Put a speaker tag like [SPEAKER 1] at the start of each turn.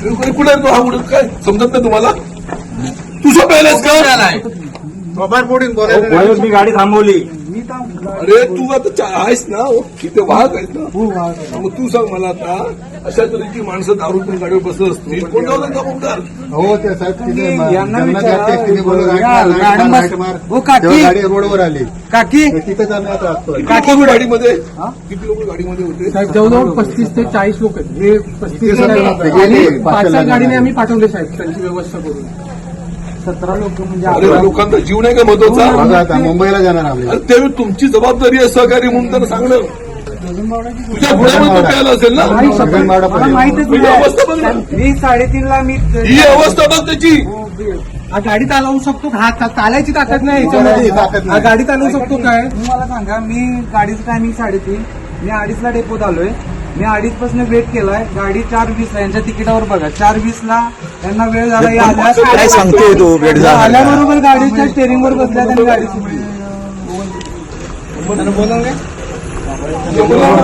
[SPEAKER 1] कुठे आहे तो हा उडत काय समजत नाही तुम्हाला? तुझं पहिलेच का?
[SPEAKER 2] मी गाडी थांबवली.
[SPEAKER 1] अरे तू आता आहेस ना तिथे वाहक आहेस ना, मग तू सांग मला आता अशा तऱ्हेची माणसं दारू पण गाडीवर बसत असतील, कोण जाऊ नका बोलतात.
[SPEAKER 3] हो ते साहेब
[SPEAKER 2] यांना
[SPEAKER 3] गाडी रोडवर आली
[SPEAKER 2] काकी
[SPEAKER 3] तिथे आम्ही आता असतो.
[SPEAKER 1] किती लोक गाडीमध्ये होते?
[SPEAKER 4] साहेब जवळजवळ 35 ते 40 लोक आहेत. हे 35
[SPEAKER 3] गेले.
[SPEAKER 4] 5-6 गाडीने आम्ही पाठवले साहेब त्यांची व्यवस्था करून. 17 लोक म्हणजे
[SPEAKER 1] अरे लोकांचा जीव नाही का महत्वाचा?
[SPEAKER 3] बघा आता मुंबईला जाणार आम्ही.
[SPEAKER 1] अरे ते तुमची जबाबदारी आहे सहकारी म्हणून त्यांना सांगणं. तुझ्या पुण्यामध्ये तो प्यायला असेल ना,
[SPEAKER 2] मला माहितच
[SPEAKER 1] ही अवस्था बघ ना,
[SPEAKER 2] मी 3:30ला मी
[SPEAKER 1] ही अवस्था बघ त्याची.
[SPEAKER 4] हा गाडी चालवू शकतो का? हा चालायची ताकद नाही
[SPEAKER 3] ताकद
[SPEAKER 4] याच्यामध्ये.
[SPEAKER 3] नाही.
[SPEAKER 4] हा गाडी चालवू शकतो काय?
[SPEAKER 2] मला सांगा, मी गाडीचं टायमिंग 3:30, मी 2:30ला डेपोत आलोय. मी 2:30 पासून वेट केलाय. गाडी 4:20ला यांच्या तिकिटावर बघा 4:20ला त्यांना वेळ झाला.
[SPEAKER 5] काय सांगतोय तो वेळ झाला?
[SPEAKER 2] आल्याबरोबर गाडीच्या स्टेअरिंगवर बसल्या त्यांनी गाडी सुटली.
[SPEAKER 1] बोला.